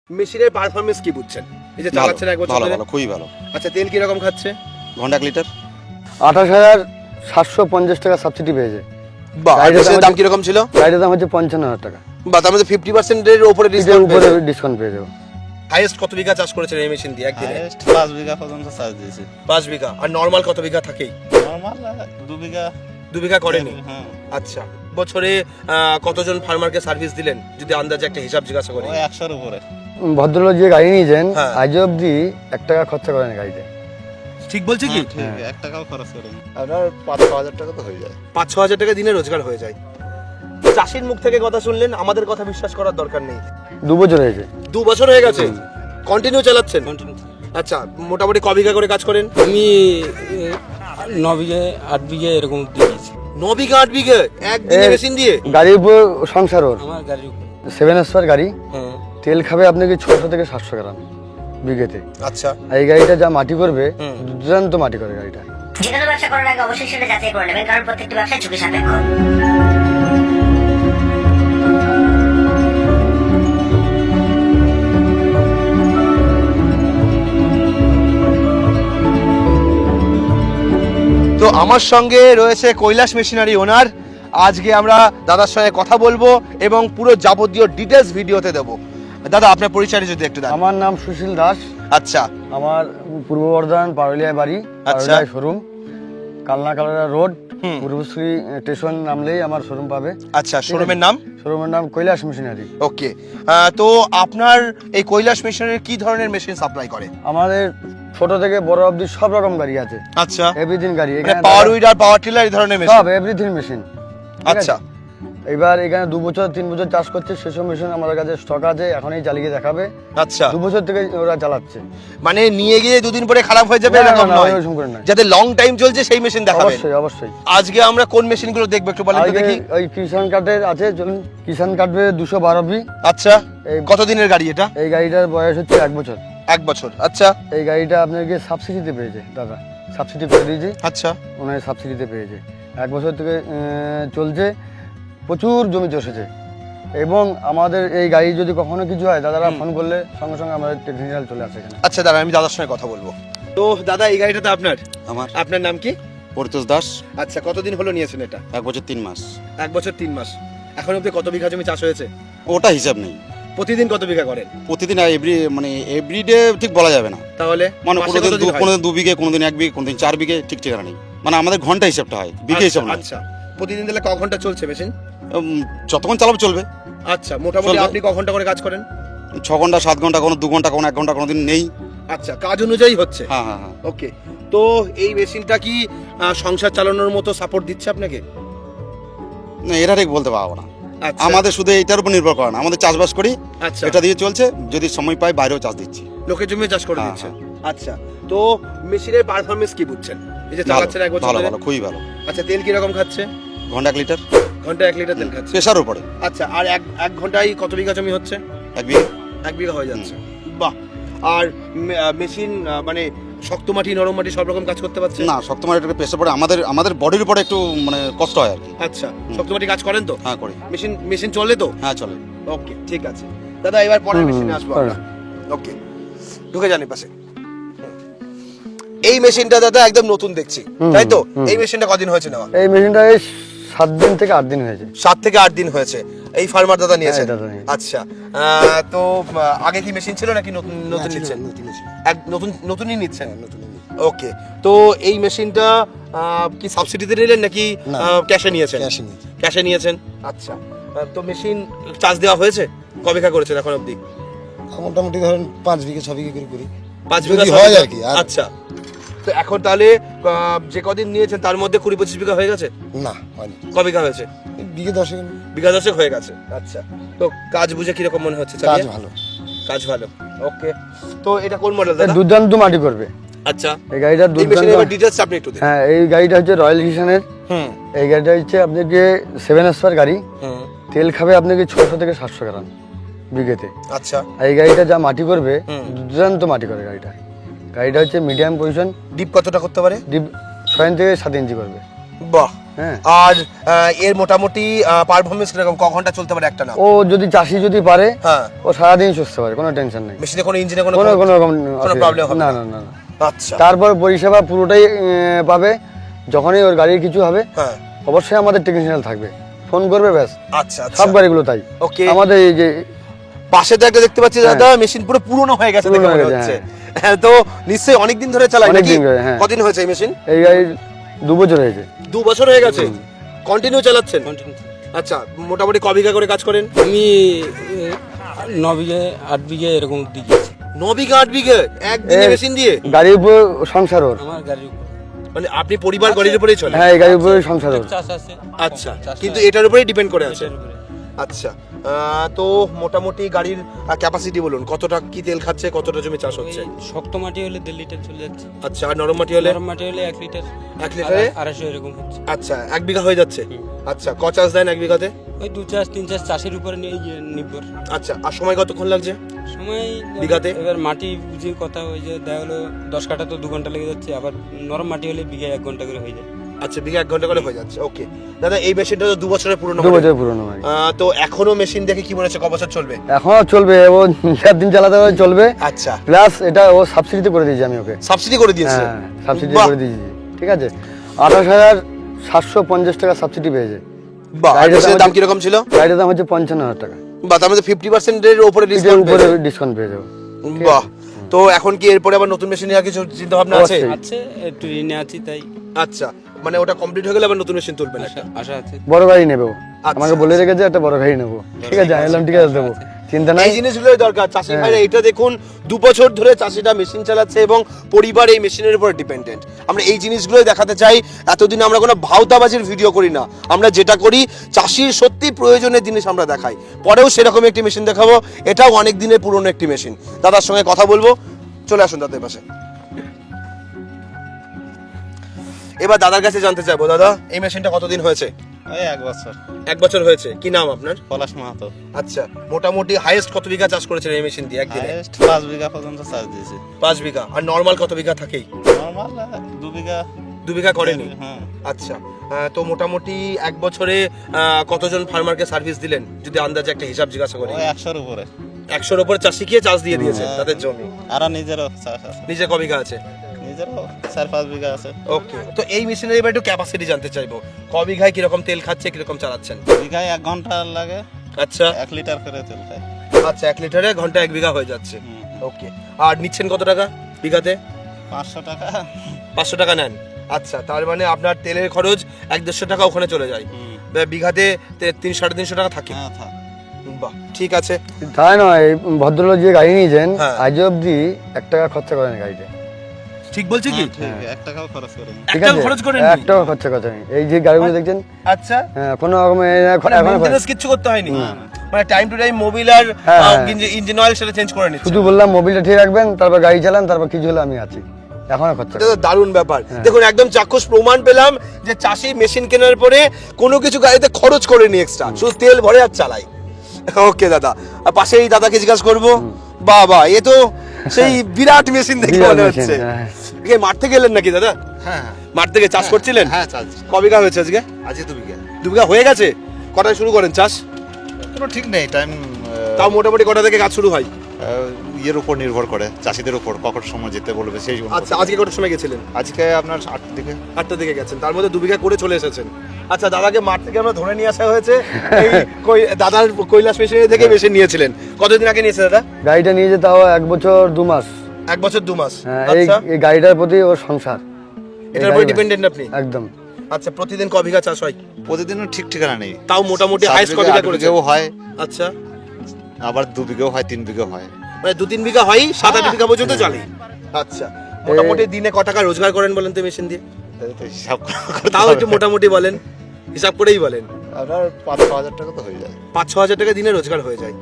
মেশিনের পারফরম্যান্স কি বুঝছেন? এই যে চালাচ্ছেন এক বছর ভালো ধরে। ভালো খুবই ভালো। আচ্ছা, তেল কি রকম খাচ্ছে? ঘন্টা লিটার 28,750 টাকা সাবসিডি পেয়েছে। বাহ, গাড়িটার মেশিনের দাম হচ্ছে- কি রকম ছিল? গাড়ির দাম হচ্ছে 55,000 টাকা। বা তার মধ্যে 50% এর উপরে এটার ডিসকাউন্ট উপরে পেয়েছে। ডিসকাউন্ট পেয়ে যাবো। হাইয়েস্ট কত বিঘা চাষ করেছেন এই মেশিন দিয়ে একদিনে? হাইয়েস্ট 5 বিঘা পর্যন্ত চাষ দিয়েছি। 5 বিঘা। আর নরমাল কত বিঘা থাকেই? নরমাল 2 বিঘা 2 বিঘা করেনি। হ্যাঁ, আচ্ছা, বছরে কতজন ফার্মারকে সার্ভিস দিলেন যদি আন্দাজে একটা হিসাব জিজ্ঞাসা করি? ওই 100 এর উপরে। ভদ্রলোক যে গাড়ি নিয়েছেন হ্যাঁ। আজ অব্দি 1 টাকা খরচা করেন গাড়িতে। ঠিক বলছে কি? ঠিক 1 টাকাও খরচ করেনি। আপনার 5-6 হাজার টাকা তো হয়ে যায়। 5-6 হাজার টাকা দিনে রোজগার হয়ে যায়। চাষির মুখ থেকে কথা শুনলেন, আমাদের কথা বিশ্বাস করার দরকার নেই। 2 বছর হয়েছে। 2 বছর হয়ে গেছে কন্টিনিউ চালাচ্ছেন? আচ্ছা, মোটামুটি ক বিঘা করে কাজ করেন? আমি 9 বিঘে 8 বিঘে এরকম দিয়েছি 9 বিঘা 8 বিঘা একদিনে মেশিন দিয়ে? গাড়ির উপর সংসার ওর। আমার গাড়ির উপর। 7S গাড়ি, হ্যাঁ, তেল খাবে আপনাকে 600 থেকে 700 গ্রাম বিঘেতে। আচ্ছা, আর এই গাড়িটা যা মাটি করবে দুর্দান্ত মাটি করে গাড়িটা। যে কোনো ব্যবসা করার আগে অবশ্যই সেটা যাচাই করে নেবেন, কারণ প্রত্যেকটি ব্যবসা ঝুঁকি সাপেক্ষ। তো আমার সঙ্গে রয়েছে কৈলাস মেশিনারি ওনার। আজকে আমরা দাদার সঙ্গে কথা বলবো এবং পুরো যাবতীয় ডিটেলস ভিডিওতে দেবো। দাদা, আপনার পরিচয় যদি একটু দেন। আমার নাম সুশীল দাস। আচ্ছা, আমার পূর্ব বর্ধমান পারুলিয়ায় বাড়ি, আচ্ছা। পারুলিয়ায় শোরুম, কালনা কালরা রোড, পূর্বশ্রী স্টেশন নামলেই আমার শোরুম পাবে। আচ্ছা, শোরুমের নাম? শোরুমের নাম কৈলাস মেশিনারি। ওকে। তো আপনার এই কৈলাস মেশিনারি কি ধরনের মেশিন সাপ্লাই করে? আমাদের ছোট থেকে বড় অবধি সব রকম গাড়ি আছে, আচ্ছা, এভরিথিং গাড়ি মানে এখানে পাওয়ার উইডার, পাওয়ার টিলার এই ধরনের মেশিন? সব এভরিথিং মেশিন। আচ্ছা, এবার এখানে 2 বছর 3 বছর চাষ করছে, সেসব মেশিন আমাদের কাছে স্টক আছে, এখনই চালিয়ে দেখাবে। আচ্ছা, 2 বছর থেকে ওরা চালাচ্ছে। মানে নিয়ে গিয়ে 2 দিন পরে খারাপ হয়ে যাবে না, না, এরকম না, নয়, ওরকম করে নয়। যাতে লং টাইম চলছে সেই মেশিন দেখাবেন। অবশ্যই অবশ্যই। আজকে আমরা কোন মেশিনগুলো দেখবো একটু বলেন তো আজকে দেখি। ওই কিষান কার্ডের আছে, চলুন। কিষান কার্ডে 212 বি। আচ্ছা, এই কতদিনের গাড়ি এটা? এই গাড়িটার বয়স হচ্ছে 1 বছর। 1 বছর। আচ্ছা, এই গাড়িটা আপনাকে সাবসিডিতে পেয়েছে দাদা, সাবসিডি করে দিয়েছি, আচ্ছা, ওনার সাবসিডিতে পেয়েছে। 1 বছর থেকে চলছে, প্রচুর জমি চষেছে। এবং আমাদের এই গাড়ি যদি কখনো কিছু হয়, দাদারা ফোন করলে সঙ্গে সঙ্গে আমাদের টেকনিক্যাল চলে আসে এখানে। আচ্ছা দাদা, আমি দাদার সঙ্গে কথা বলবো। তো দাদা, এই গাড়িটা তো আপনার? আমার আপনার নাম কি? পরিতোষ দাস। আচ্ছা, কতদিন হলো নিয়েছেন এটা? 1 বছর 3 মাস। 1 বছর 3 মাস। এখন অব্দি কত বিঘা জমি চাষ হয়েছে? ওটা হিসাব নেই। প্রতিদিন কত বিঘা করেন? প্রতিদিন এভরিডে ঠিক বলা যাবে না। তাহলে মানে মাসে কোনোদিন কতদিন হয়? কোনোদিন 2 বিঘে, কোনোদিন 1 বিঘে, কোনোদিন 4 বিঘে, ঠিক ঠিকানা নেই। মানে আমাদের ঘন্টা হিসাবটা হয়, বিঘে হিসাব আচ্ছা, নয়। আচ্ছা, প্রতিদিন তাহলে ক ঘন্টা চলছে মেশিন? যতক্ষণ চালাবো চলবে। আচ্ছা, মোটামুটি চলবে। আপনি ক ঘন্টা করে কাজ করেন? 6 ঘন্টা, 7 ঘন্টা, কোনো 2 ঘন্টা, কোনো 1 ঘন্টা, কোনোদিন নেই। আচ্ছা, কাজ অনুযায়ী হচ্ছে। হ্যাঁ হ্যাঁ হ্যাঁ। ওকে। তো এই মেশিনটা কি সংসার চালানোর মতো সাপোর্ট দিচ্ছে আপনাকে? না, এটা ঠিক বলতে পারবো না। আচ্ছা, আমাদের শুধু এটার উপর নির্ভর করে না, আমাদের চাষবাস করি, আচ্ছা, এটা দিয়ে চলছে। যদি সময় পাই বাইরেও চাষ দিচ্ছি। লোকের জমি চাষ করে হ্যাঁ, দিচ্ছে। আচ্ছা, তো মেশিনের পারফরম্যান্স কি বুঝছেন? এই যে ভালো চালাচ্ছেন 1 বছর ভালো ধরে। ভালো খুবই ভালো। আচ্ছা, তেল কি রকম খাচ্ছে? ঘন্টা লিটার ঘন্টা 1 লিটার তেল খাচ্ছে। প্রেশার উপরে। আচ্ছা, আর এক ঘন্টায় কত বিঘা জমি হচ্ছে? 1 বিঘে। 1 বিঘা হয়ে যাচ্ছে। বাহ। আর মেশিন মানে শক্ত মাটি, নরম মাটি সব রকম কাজ করতে পারছে? না, শক্ত মাটির একটু প্রেশার পড়ে, আমাদের বডির উপরে একটু মানে কষ্ট হয় আর কি। আচ্ছা, শক্ত মাটি কাজ করেন তো? হ্যাঁ করি। মেশিন চলে তো? হ্যাঁ চলে। ওকে, ঠিক আছে দাদা, এবার পরের মেশিনে আসবো পরে। আমরা। ওকে, ঢুকে যান পাশে। এই মেশিনটা দাদা একদম নতুন দেখছি, তাই তো? এই মেশিনটা কদিন হয়েছে নেওয়া? এই মেশিনটা এই 7 দিন থেকে 8 দিন হয়েছে। 7 থেকে 8 দিন হয়েছে। এই ফার্মার দাদা নিয়েছেন? হ্যাঁ, দাদা নিয়েছে। আচ্ছা, তো আগে কি মেশিন ছিল নাকি নতুন নিচ্ছেন? নতুনই নিচ্ছেন? ওকে। তো এই মেশিনটা কি সাবসিডিতে নিলেন নাকি ক্যাশে নিয়েছেন? ক্যাশে নিয়েছেন। আচ্ছা, তো মেশিন চার্জ দেওয়া হয়েছে? কবে বিঘা করেছেন এখন অবধি? মোটামুটি ধরেন 5 বিঘে 6 বিঘে করে করি। 5 যদি বিঘা হয় চাষ আর কি, আর- আচ্ছা, তো এখন তাহলে যে কদিন নিয়েছেন তার মধ্যে 20-25 বিঘা হয়ে গেছে? না, হয়নি। ক বিঘা হয়েছে? বিঘে 10 বিঘা 10 হয়ে গেছে। আচ্ছা, তো কাজ বুঝে কিরকম মনে হচ্ছে? কাজ চালিয়ে? ভালো। কাজ ভালো। ওকে। তো এটা কোন মডেল এটা দাদা? দুর্দান্ত মাটি করবে আচ্ছা, এই গাড়িটা, এই দুর্দান্ত। মেশিনের এবার ডিটেইলস আপনি একটু দিন। হ্যাঁ, এই গাড়িটা হচ্ছে রয়্যাল কিষানের। হুম, এই গাড়িটা হচ্ছে আপনাকে 7S গাড়ি, হুম, তেল খাবে আপনাকে 600 থেকে 700 গ্রাম বিঘেতে। আচ্ছা। আর এই গাড়িটা যা মাটি করবে দুর্দান্ত মাটি করে গাড়িটা। গাড়িটা হচ্ছে মিডিয়াম পজিশন, ডিপ কতটা করতে পারে? ডিপ 6 থেকে 7 ইঞ্চি করবে। বাহ, হ্যাঁ। আর এর মোটামুটি পারফরমেন্স কিরকম, ক ঘন্টা চলতে পারে একটা না? ও যদি চাষি যদি পারে হ্যাঁ। ও সারাদিন চষতে পারে, কোনো টেনশন নেই, মেশিনে কোনো ইঞ্জিনে কোনো কোনো কোনো রকম কোনো প্রবলেম হবে না না? না না না। আচ্ছা তারপর পরিষেবা পুরোটাই পাবে। যখনই ওর গাড়ির কিছু হবে হ্যাঁ অবশ্যই আমাদের টেকনিশিয়ান থাকবে, ফোন করবে ব্যাস। আচ্ছা আচ্ছা সব গাড়িগুলো তাই। ওকে। আমাদের এই যে পাশে তো একটা দেখতে পাচ্ছি দাদা মেশিন পুরো পুরনো হয়ে গেছে দেখে পুরনো মনে হয়ে গেছে, হচ্ছে। হ্যাঁ, তো নিশ্চয়ই অনেক দিন ধরে চালাই নাকি? অনেকদিন ধরে, হ্যাঁ। কদিন হয়েছে এই মেশিন? এই গাড়ির 2 বছর হয়েছে। 2 বছর হয়ে গেছে কন্টিনিউ চালাচ্ছেন? কন্টিনিউ। আচ্ছা, মোটামুটি ক বিঘা করে কাজ করেন? আমি 9 বিঘে 8 বিঘে এরকম দিকে 9 বিঘা 8 বিঘা একদিনে এ- মেশিন দিয়ে? গাড়ির উপর সংসার ওর। আমার গাড়ির উপর মানে আপনি পরিবার গাড়ির উপরেই চলে? হ্যাঁ, এই গাড়ির উপরে সংসার ওর। চাষ আছে। আচ্ছা, কিন্তু এটার উপরেই ডিপেন্ড করে আছে। এটার উপরে। আচ্ছা, তো মোটামুটি গাড়ির ক্যাপাসিটি বলুন, কতটা কি তেল খাচ্ছে, কতটা জমি চাষ হচ্ছে? ওই শক্ত মাটি হলে 1.5 লিটার চলে যাচ্ছে, আচ্ছা, আর নরম মাটি হলে? নরম মাটি হলে 1 লিটার, 1 লিটারে 250 এরকম হচ্ছে। আচ্ছা, 1 বিঘা হয়ে যাচ্ছে। আচ্ছা, ক চাষ দেন 1 বিঘাতে? ওই 2 চাষ 3 চাষ চাষের উপরে নির্ভর। আচ্ছা, আর সময় কতক্ষণ লাগছে সময় বিঘাতে? এবার মাটি বুঝে কথা, ওই যে দেখা হলো 10 কাঠা তো 2 ঘন্টা লেগে যাচ্ছে, আবার নরম মাটি হলে বিঘা 1 ঘন্টা করে হয়ে যায়। আচ্ছা, বিঘা 1 ঘন্টা করে হয়ে যাচ্ছে। ওকে দাদা, এই মেশিনটা তো 2 বছরের পুরনো 2 হবে। বছর পুরনো গাড়ি। তো এখনো মেশিন দেখে কি মনে হচ্ছে ক বছর চলবে? এখনো চলবে, ও 4 দিন চালাতে হবে, চলবে। আচ্ছা, প্লাস এটা ও সাবসিডিতে করে দিয়েছি আমি ওকে। সাবসিডি করে দিয়েছে? হ্যাঁ, সাবসিডি বাহ, করে দিয়েছি, ঠিক আছে। 28,750 টাকা সাবসিডি পেয়েছে। বাহ, আর গাড়িটার মেশিনের দাম দাম কিরকম ছিল? গাড়িটার দাম হচ্ছে 55,000 টাকা। বাহ, তার মধ্যে 50% এর উপরে এটার ডিসকাউন্ট উপরে পেয়েছে। ডিসকাউন্ট পেয়ে যাবো। বাহ, তো এখন কি এরপরে আবার নতুন মেশিন নেওয়ার কিছু চিন্তা ভাবনা আছে? অবশ্যই। আছে, একটু ঋণে আছি, তাই আচ্ছা, মানে ওটা কমপ্লিট হয়ে গেলে আবার নতুন মেশিন তুলবেন একটা? আশা আছে। বড় গাড়ি নেবো, আচ্ছা, আমাকে বলে রেখেছে একটা বড় গাড়ি নেবো, ঠিক আছে। আমি বললাম ঠিক আছে দেবো, চিন্তা নাই। এই জিনিসগুলোই দরকার চাষি ভাইরা। এটা দেখুন, 2 বছর ধরে চাষিটা মেশিন চালাচ্ছে এবং পরিবার এই মেশিনের উপর ডিপেন্ডেন্ট। আমরা এই জিনিসগুলোই দেখাতে চাই। এতদিন আমরা কোনো ভাওতাবাজির ভিডিও করি না, আমরা যেটা করি চাষির সত্যি প্রয়োজনের জিনিস আমরা দেখাই। পরেও সেরকম একটি মেশিন দেখাবো, এটাও অনেক দিনের পুরনো একটি মেশিন। দাদার সঙ্গে কথা বলবো, চলে আসুন দাদার পাশে। এবার দাদার কাছে জানতে চাইবো, দাদা এই মেশিনটা কতদিন হয়েছে? ওই 1 বছর। 1 বছর হয়েছে। কি নাম আপনার? পলাশ মাহাতো। আচ্ছা, মোটামুটি হাইয়েস্ট কত বিঘা চাষ করেছেন এই মেশিন দিয়ে একদিনে? হাইয়েস্ট 5 বিঘা পর্যন্ত চাষ দিয়েছি। 5 বিঘা। আর নর্মাল কত বিঘা থাকেই? নরমাল 2 বিঘা। 2 বিঘা করেনি? হ্যাঁ। আচ্ছা, তো মোটামুটি 1 বছরে কতজন ফার্মারকে সার্ভিস দিলেন যদি আন্দাজে একটা হিসাব জিজ্ঞাসা করি? ওই 100-র উপরে। 100-র উপরে চাষি গিয়ে চাষ দিয়ে দিয়েছেন তাদের জমি। আর নিজেরও চাষ আছে। নিজে ক বিঘা আছে? নিজেরও 4-5 বিঘা আছে। ওকে, তো এই মেশিনের এবার একটু ক্যাপাসিটি জানতে চাইবো, ক বিঘায় কিরকম তেল খাচ্ছে, কিরকম চালাচ্ছেন? বিঘায় 1 ঘন্টা লাগে, আচ্ছা 1 লিটার করে তেল খায়। আচ্ছা, 1 লিটারে ঘন্টা 1 বিঘা হয়ে যাচ্ছে। ওকে, আর নিচ্ছেন কত টাকা বিঘাতে? 500 টাকা। 500 টাকা নেন। আচ্ছা, তার মানে আপনার তেলের খরচ 1-150 টাকা ওখানে চলে যায়। বিঘাতে 300-350 টাকা থাকে। হ্যাঁ, থাক। বাহ, ঠিক আছে। তাই নয়, এই ভদ্রলোক যে গাড়ি নিয়েছেন হ্যাঁ। আজ অব্দি 1 টাকা খরচা করেন গাড়িতে, ঠিক বলছি কি? ঠিক, 1 টাকাও খরচ করিনি। ঠিক একটাও আছে। খরচ করেন 1 টাকা খরচা করেন। এই যে গাড়িগুলো দেখছেন, আচ্ছা, হ্যাঁ, কোনো রকমের মানে মেইনটেনেন্স কিছু করতে হয়নি? মানে টাইম টু টাইম মোবিল আর হ্যাঁ, হ্যাঁ। ইঞ্জিন অয়েল সেটা চেঞ্জ করে নিচ্ছে? শুধু বললাম মোবিলটা ঠিক রাখবেন, তারপর গাড়ি চালান, তারপর কিছু হলে আমি আছি, এখনো খরচা এটা তো দারুণ ব্যাপার। হ্যাঁ। দেখুন, একদম চাক্ষুষ প্রমাণ পেলাম যে চাষি মেশিন কেনার পরে কোনো কিছু গাড়িতে খরচ করেনি এক্সট্রা, শুধু তেল ভরে আর চালাই। ওকে দাদা, আর পাশে এই দাদাকে জিজ্ঞাসা করবো। বাবা, এ তো সেই বিরাট মেশিন দেখে বিরাট মনে মেশিন, হচ্ছে। হ্যাঁ। এ মাঠ থেকে এলেন নাকি দাদা? হ্যাঁ মাঠ থেকে চাষ করছিলেন? হ্যাঁ চাষ ক বিঘা হয়েছে আজকে? আজকে 2 বিঘা। 2 বিঘা হয়ে গেছে। কটায় শুরু করেন চাষ? কোনো ঠিক নেই টাইম, তাও মোটামুটি কটা থেকে কাজ শুরু হয়? ইয়ের উপর নির্ভর করে, চাষিদের উপর কখন সময় যেতে বলবে সেই জন্য। আচ্ছা, আজকে কটার সময় গেছিলেন? আজকে আপনার 8 দিকে। 8টার দিকে গেছেন, তার মধ্যে 2 বিঘা করে চলে এসেছেন। আচ্ছা, দাদাকে মাঠ থেকে আমরা ধরে নিয়ে আসা হয়েছে। এই দাদার কৈলাস মেশিনারি থেকে মেশিন নিয়েছিলেন। কতদিন আগে নিয়েছে দাদা? গাড়িটা নিয়ে যে তাও 1 বছর 2 মাস। 1 বছর 2 মাস। হ্যাঁ, আচ্ছা, এই গাড়িটার প্রতি ওর সংসার, এটার উপর ডিপেন্ডেন্ট আপনি? একদম। আচ্ছা, প্রতিদিন ক বিঘা চাষ হয়? প্রতিদিনও ঠিক ঠিকানা নেই। তাও মোটামুটি 7 হাইস্ট ক বিঘা, বিঘা 8 করেছেন? বিঘাও হয়, আচ্ছা, আবার 2 বিঘাও হয়, 3 বিঘাও হয়। মানে 2-3 বিঘা হয়, 7-8 বিঘা পর্যন্ত চলে। আচ্ছা, মোটামুটি দিনে ক টাকা রোজগার করেন বলেন তো মেশিন দিয়ে? তো হিসাব করতে তাও হবে। একটু মোটামুটি বলেন, হিসাব করেই বলেন। আপনার 5-6 হাজার টাকা তো হয়ে যায়। 5-6 হাজার টাকা দিনে রোজগার হয়ে যায়।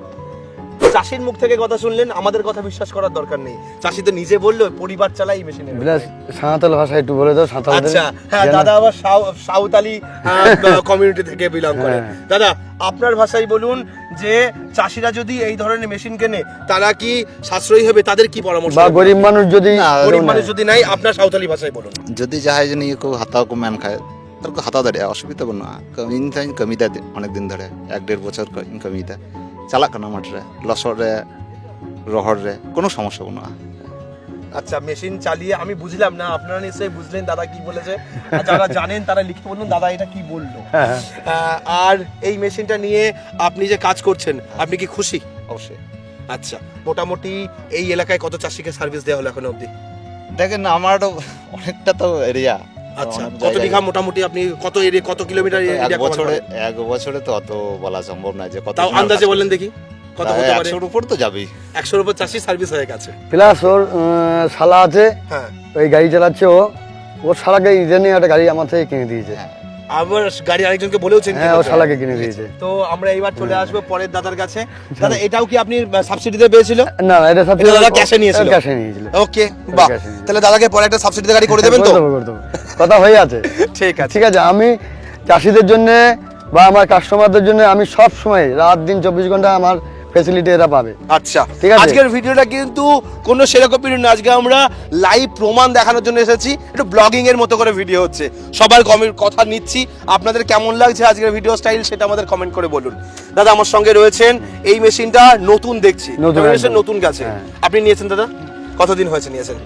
চাষির মুখ থেকে কথা শুনলেন, আমাদের কথা বিশ্বাস করার দরকার নেই। চাষি তো নিজে বললো পরিবার চালাই এই মেশিনে। বিলাস সাঁওতাল ভাষায় একটু বলে দাও, সাঁওতাল। আচ্ছা, হ্যাঁ, দাদা আবার সাঁওতালি কমিউনিটি থেকে বিলং করে। হ্যাঁ। দাদা, আপনার ভাষায় বলুন যে চাষিরা যদি এই ধরনের মেশিন কেনে তারা কি সাশ্রয়ী হবে, তাদের কি পরামর্শ? বা গরিব মানুষ যদি না, গরিব মানুষ যদি নাই, আপনার সাঁওতালি ভাষায় বলুন। যদি যাহাই জানি কেউ হাতাও কো ম্যান খায় তার হাতা দাঁড়িয়ে অসুবিধা বানুᱜᱼᱟ ᱤᱧ ᱛᱟᱧ ᱠᱟᱹᱢᱤᱭᱮᱫᱟ অনেক দিন ধরে 1-1.5 বছর ᱤᱧ ᱠᱟᱹᱢᱤᱭᱮᱫᱟ চালাক কানা মাঠরে লসর রে রহর রে কোনো সমস্যা বানুᱜᱼᱟ আচ্ছা, মেশিন চালিয়ে আমি বুঝলাম না, আপনারা নিশ্চয়ই বুঝলেন দাদা কি বলেছে। আর যারা জানেন তারা লিখে বলুন দাদা এটা কি বললো। আর এই মেশিনটা নিয়ে আপনি যে কাজ করছেন আপনি কি খুশি? অবশ্যই। আচ্ছা, মোটামুটি এই এলাকায় কত চাষিকে সার্ভিস দেওয়া হলো এখনো অবধি? দেখেন আমার অনেকটা তো এরিয়া। আচ্ছা, কত বিঘা মোটামুটি আপনি কত এরিয়া, কত কিলোমিটার এরিয়া কভার? এক বছরে তো অত বলা সম্ভব না যে কত। তাও আন্দাজে বলেন দেখি কত হতে পারে? 100-এর উপর তো যাবেই। 100-এর উপর চাষি সার্ভিস হয়ে গেছে। প্লাস ওর শালা আছে, হ্যাঁ, ওই গাড়ি চালাচ্ছে ওর শালাকে ইদানিং একটা গাড়ি আমার থেকে কিনে দিয়েছে। আবার গাড়ি আরেকজনকে বলেওছেন? হ্যাঁ, ওর শালাকে কিনে দিয়েছে। তো আমরা এইবার চলে আসবো পরের দাদার কাছে। দাদা এটাও কি আপনি সাবসিডিতে পেয়েছিল? না এটা সাবসিডি দাদা ক্যাশে নিয়েছিল? ক্যাশে নিয়েছিল। ওকে, বাহ, তাহলে দাদাকে পরে একটা সাবসিডিতে গাড়ি করে দেবেন তো? করে দেবো, কথা হয়ে আছে। ঠিক আছে, ঠিক আছে। আমি চাষিদের জন্য বা আমার কাস্টমারদের জন্য আমি সব সময় রাত দিন 24 ঘন্টা আমার ফ্যাসিলিটি এরা পাবে। আচ্ছা, ঠিক আছে। আজকের ভিডিওটা কিন্তু কোনো সেরকম ভিডিও না, আজকে আমরা লাইভ প্রমাণ দেখানোর জন্য এসেছি। একটু ব্লগিং এর মতো করে ভিডিও হচ্ছে, সবার কমেন্ট কথা নিচ্ছি। আপনাদের কেমন লাগছে আজকের ভিডিও স্টাইল সেটা আমাদের কমেন্ট করে বলুন। দাদা আমার সঙ্গে রয়েছেন, এই মেশিনটা নতুন দেখছি, নতুন, একদম। নতুন গেছে। হ্যাঁ। আপনি নিয়েছেন দাদা? কতদিন হয়েছে নিয়েছেন?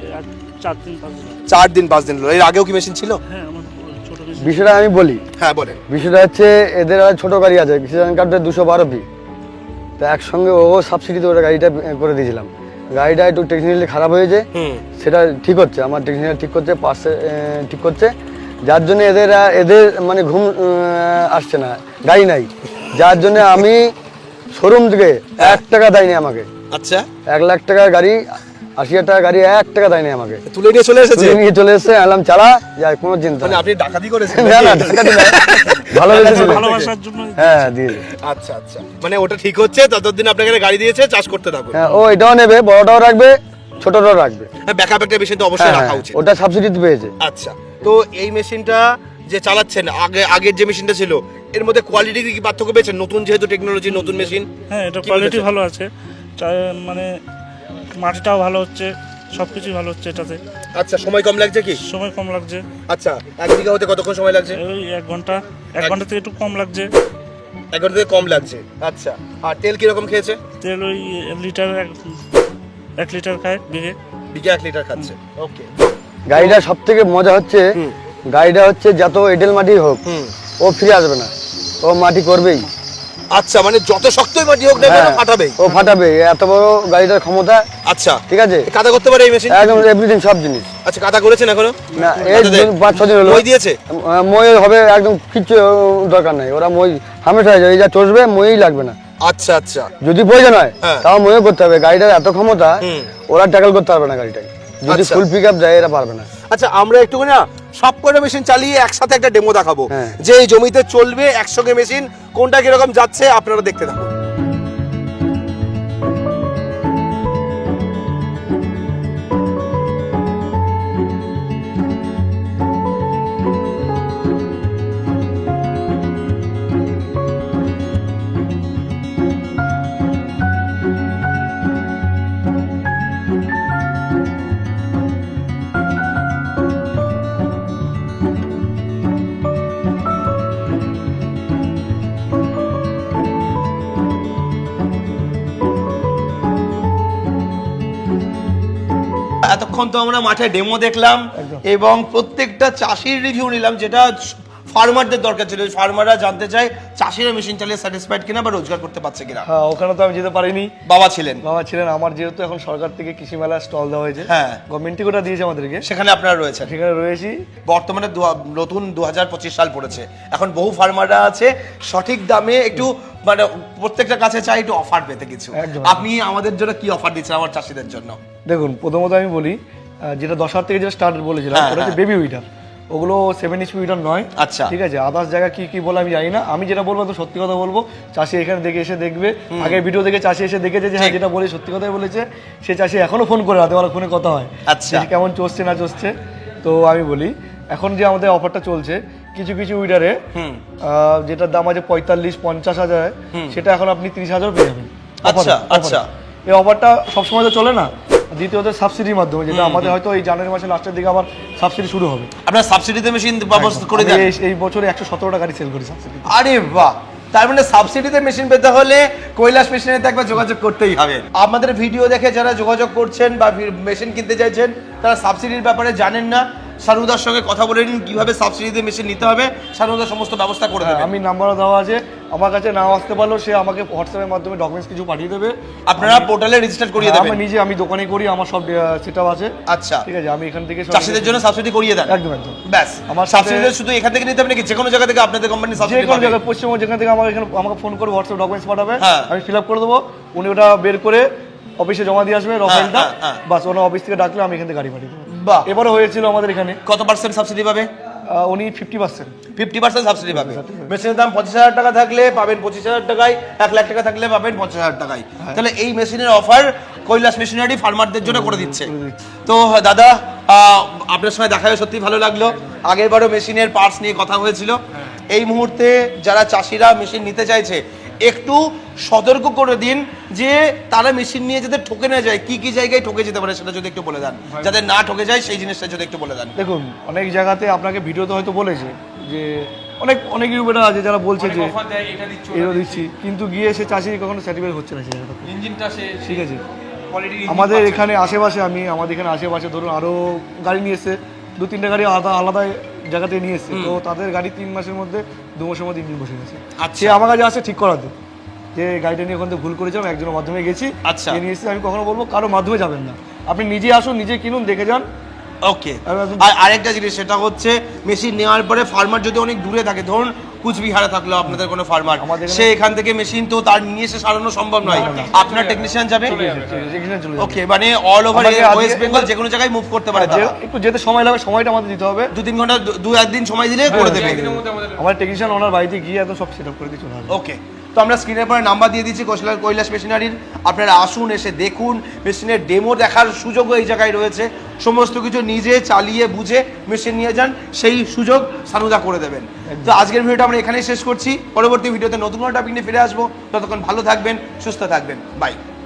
4 দিন 5 দিন। হলো। এর আগেও কি মেশিন ছিল? হ্যাঁ, আমার ছোট বেশি। বিষয়টা আমি বলি। হ্যাঁ বলেন। বিষয়টা হচ্ছে এদের আর ছোট গাড়ি আছে, কিষাণ কার্ডের 212 পি, তো একসঙ্গে ও সাবসিডিতে ওরা গাড়িটা করে দিয়েছিলাম। গাড়িটা একটু টেকনিক্যালি খারাপ হয়েছে, সেটা ঠিক হচ্ছে, আমার টেকনিক্যাল ঠিক করছে, পাশে ঠিক করছে, যার জন্য এদের মানে ঘুম আসছে না, গাড়ি নাই, যার জন্য আমি শোরুম থেকে 1 টাকা দেয়নি আমাকে। আচ্ছা, 1 লাখ টাকার গাড়ি, 80,000 টাকার গাড়ি 1 টাকা দেয়নি আমাকে। তুলে নিয়ে চলে এসেছে? তুলে নিয়ে চলে এসেছে, আলাম চালা যায়, কোনো চিন্তা মানে নেই। আপনি ডাকাতি করেছেন? না না, ডাকাতি না, ভালোবাসার জন্য। হ্যাঁ দিয়ে দিল। আচ্ছা আচ্ছা, মানে ওটা ঠিক হচ্ছে, ততদিন আপনাকে গাড়ি দিয়েছে, চাষ করতে থাকুন। হ্যাঁ, ও এটাও নেবে, বড়টাও রাখবে, ছোটটাও রাখবে। হ্যাঁ, ব্যাকআপ একটা মেশিন তো অবশ্যই রাখা উচিত। ওটা সাবসিডিতে পেয়েছে। আচ্ছা, তো এই মেশিনটা যে চালাচ্ছেন, আগের যে মেশিনটা ছিল এর মধ্যে কোয়ালিটি কি পার্থক্য পেয়েছেন? নতুন যেহেতু টেকনোলজি, নতুন মেশিন। হ্যাঁ, এটা কি কোয়ালিটি বলেছে? ভালো আছে, মানে মাটিটাও ভালো হচ্ছে, সবকিছুই ভালো হচ্ছে এটাতে। আচ্ছা, সময় কম লাগছে কি? সময় কম লাগছে। আচ্ছা, 1 বিঘা হতে কতক্ষণ সময় লাগছে? ওই 1 ঘন্টা, 1 ঘন্টা থেকে একটু কম লাগছে। 1 ঘন্টা থেকে কম লাগছে। আচ্ছা, আর তেল কিরকম খেয়েছে? তেল ওই লিটার 1 লিটার খায় বিঘে। বিঘা 1 লিটার খাচ্ছে। ওকে। গাড়িটা সব থেকে মজা হচ্ছে, গাড়িটা হচ্ছে যত এঁটেল মাটি হোক ও ফিরে আসবে না, ও মাটি করবেই। আচ্ছা, মানে যত শক্তই মাটি হোক না কেন হ্যাঁ, ফাটাবে? ও ফাটাবে, এত বড় গাড়িটার ক্ষমতা। আচ্ছা, ঠিক আছে। কাদা করতে পারে এই মেশিন? একদম এভরিথিং, সব জিনিস। আচ্ছা, কাদা করেছেন এখনো? না, এই 5-6 দিন হলো। মই দিয়েছে? মই হবে, একদম কিচ্ছু দরকার নাই, ওরা মই হামেশা হয়ে যাবে, এই যা চষবে মই লাগবে না। আচ্ছা আচ্ছা, যদি প্রয়োজন হয় হ্যাঁ। তাও ময়ও করতে হবে, গাড়িটার এত ক্ষমতা, ওরা ট্যাকল করতে পারবে না গাড়িটাকে, যদি আচ্ছা। ফুল পিক আপ দেয় এরা পারবে না। আচ্ছা, আমরা একটু না সব কটা মেশিন চালিয়ে একসাথে একটা ডেমো দেখাবো, হ্যাঁ। যে এই জমিতে চলবে একসঙ্গে মেশিন, কোনটা কিরকম যাচ্ছে আপনারা দেখতে থাকুন। এতক্ষণ তো আমরা মাঠে ডেমো দেখলাম এবং প্রত্যেকটা চাষির রিভিউ নিলাম, যেটা ফার্মারদের দরকার ছিল। ফার্মাররা জানতে চায় চাষিরা মেশিন চালিয়ে স্যাটিসফাইড কিনা বা রোজগার করতে পারছে কিনা। হ্যাঁ, ওখানে তো আমি যেতে পারিনি, বাবা ছিলেন। বাবা ছিলেন। আমার যেহেতু এখন সরকার থেকে কৃষি মেলা স্টল দেওয়া হয়েছে, হ্যাঁ, গভর্নমেন্টই ওটা দিয়েছে আমাদেরকে, সেখানে আপনারা রয়েছেন। সেখানে রয়েছি। বর্তমানে নতুন 2025 সাল পড়েছে, এখন বহু ফার্মাররা আছে সঠিক দামে একটু মানে প্রত্যেকটা কাছে চাই একটু অফার পেতে কিছু। একদম। আপনি আমাদের জন্য কি অফার দিচ্ছেন আমার চাষিদের জন্য? দেখুন, প্রথমত আমি বলি, যেটা 10,000 থেকে যেটা স্টার্ট বলেছিলাম, হ্যাঁ, ওটা হচ্ছে বেবি উইডার, ওগুলো 7 HP উইডার নয়। আচ্ছা, ঠিক আছে। আদার্স জায়গা কি কি বলে আমি জানি না, আমি যেটা বলবো তো সত্যি কথা বলবো। চাষি এখানে দেখে এসে দেখবে, আগের ভিডিও দেখে চাষি এসে দেখেছে যে হ্যাঁ যেটা বলে সত্যি কথাই বলেছে। সে চাষি এখনো ফোন করে, রাতে বেলা ফোনে কথা হয়, আচ্ছা, যে কেমন চলছে না চলছে। তো আমি বলি, এখন যে আমাদের অফারটা চলছে কিছু কিছু উইডারে, যেটার দাম আছে 45-50 হাজার, সেটা এখন আপনি 30,000 পেয়ে যাবেন। আচ্ছা আচ্ছা, এই অফারটা সবসময় তো চলে না, দ্বিতীয়ত সাবসিডির মাধ্যমে, যেটা আমাদের হয়তো এই জানুয়ারি মাসের লাস্টের দিকে আবার সাবসিডি শুরু হবে। আপনার সাবসিডিতে মেশিন ব্যবস্থা করে আমি দেন? এই বছরে 117টা গাড়ি সেল করি সাবসিডি। আরে বাহ, তার মানে সাবসিডিতে মেশিন পেতে হলে কৈলাস মেশিনের একবার যোগাযোগ করতেই হবে। আমাদের ভিডিও দেখে যারা যোগাযোগ করছেন বা মেশিন কিনতে চাইছেন, তারা সাবসিডির ব্যাপারে জানেন না, শানুদার সঙ্গে কথা বলে নিন কিভাবে সাবসিডিতে মেশিন নিতে হবে, শানুদা সমস্ত ব্যবস্থা করে দেবে। আমি নাম্বারও দেওয়া আছে, আমার কাছে নাও আসতে পারলেও সে আমাকে হোয়াটসঅ্যাপের মাধ্যমে ডকুমেন্টস কিছু পাঠিয়ে দেবে, আপনারা পোর্টালে রেজিস্টার করিয়ে দেবেন? আমি দোকানে করি, আমার সব সেটআপ আছে। আচ্ছা, ঠিক আছে, আমি এখান থেকে চাষিদের জন্য সাবসিডি করিয়ে দেন? একদম একদম। ব্যাস, আমার সাবসিডি শুধু এখান থেকে নিতে হবে নাকি যে কোনো জায়গা থেকে আপনাদের কোম্পানি যে সাবসিডি কোনো পাবে? জায়গায় পশ্চিমবঙ্গ যেখান থেকে আমাকে ফোন করে হোয়াটসঅ্যাপ ডকুমেন্টস পাঠাবে, হ্যাঁ। আমি ফিল আপ করে দেবো, উনি ওটা বের করে অফিসে জমা দিয়ে আসবে রফাইলটা, হ্যাঁ। বাস ওনার অফিস থেকে ডাকলে আমি এখান থেকে গাড়ি পাঠিয়ে দেবো। বাহ, এবারও হয়েছিল আমাদের এখানে, কত পার্সেন্ট সাবসিডি পাবে? উনি 50%। 50% সাবসিডি পাবে। মেশিনের দাম 25,000 টাকা থাকলে পাবেন 25,000 টাকায়, 1 লাখ টাকা থাকলে পাবেন 50,000 টাকায়। তাহলে এই মেশিনের অফার কৈলাস মেশিনারি ফার্মারদের জন্য করে দিচ্ছে। তো দাদা, আপনার সঙ্গে দেখা হয়ে সত্যি ভালো লাগলো। আগের বারও মেশিনের পার্টস নিয়ে কথা হয়েছিল। এই মুহূর্তে যারা চাষিরা মেশিন নিতে চাইছে, একটু সতর্ক করে দিন যে তারা মেশিন নিয়ে যাতে ঠকে না যায়, কি কি জায়গায় ঠকে যেতে পারে সেটা যদি একটু বলে দেন, যাতে না ঠকে যায় সেই জিনিসটা যদি একটু বলে দেন। দেখুন, অনেক জায়গাতে আপনাকে ভিডিওতে হয়তো বলেছে যে অনেক ইউটিউবার আছে যারা বলছে যে এটা দিচ্ছি, কিন্তু গিয়ে সে চাষি কখনো স্যাটিসফাই হচ্ছে না সেই জায়গাটা। ইঞ্জিনটা সে ঠিক আছে, আমাদের এখানে আশেপাশে আমাদের এখানে আশেপাশে ধরুন আরও গাড়ি নিয়ে এসছে, 2-3টা গাড়ি আলাদা আলাদা জায়গাতে নিয়ে এসছে, তো তাদের গাড়ি 3 মাসের মধ্যে 2 মাসের মধ্যে ইঞ্জিন বসে গেছে। আচ্ছা। সে আমার কাছে আসে ঠিক করাতে, যে গাড়িটা নিয়ে ওখান থেকে ভুল করেছিলাম, একজনের মাধ্যমে গেছি, আচ্ছা। নিয়ে এসেছি। আমি কখনো বলবো কারো মাধ্যমে যাবেন না, আপনি নিজে আসুন, নিজে কিনুন, দেখে যান। ওকে, আর আরেকটা জিনিস সেটা হচ্ছে মেশিন নেওয়ার পরে ফার্মার যদি অনেক দূরে থাকে, ধরুন কুচবিহারে থাকলো আপনাদের কোনো ফার্মার, সে এখান থেকে মেশিন তো তার নিয়ে এসে সারানো সম্ভব নয়, আপনার টেকনিশিয়ান যাবে? ওকে, মানে অল ওভার ওয়েস্ট বেঙ্গল যে কোনো জায়গায় মুভ করতে পারে তারা? একটু যেতে সময় লাগে, সময়টা আমাদের দিতে হবে, 2-3 ঘন্টা, 2-1 দিন সময় দিলে করে দেবে। আমার টেকনিশিয়ান ওনার বাড়িতে গিয়ে একদম সব সেট আপ করে দিয়ে চলে আসবে। ওকে, তো আমরা স্ক্রিনের পরে নাম্বার দিয়ে দিচ্ছি কৈলাস মেশিনারির, আপনারা আসুন, এসে দেখুন, মেশিনের ডেমো দেখার সুযোগও এই জায়গায় রয়েছে, সমস্ত কিছু নিজে চালিয়ে বুঝে মেশিন নিয়ে যান, সেই সুযোগ সানুদা করে দেবেন। তো আজকের ভিডিওটা আমরা এখানেই শেষ করছি, পরবর্তী ভিডিওতে নতুন কোনো টপিক নিয়ে ফিরে আসবো, ততক্ষণ ভালো থাকবেন, সুস্থ থাকবেন, বাই।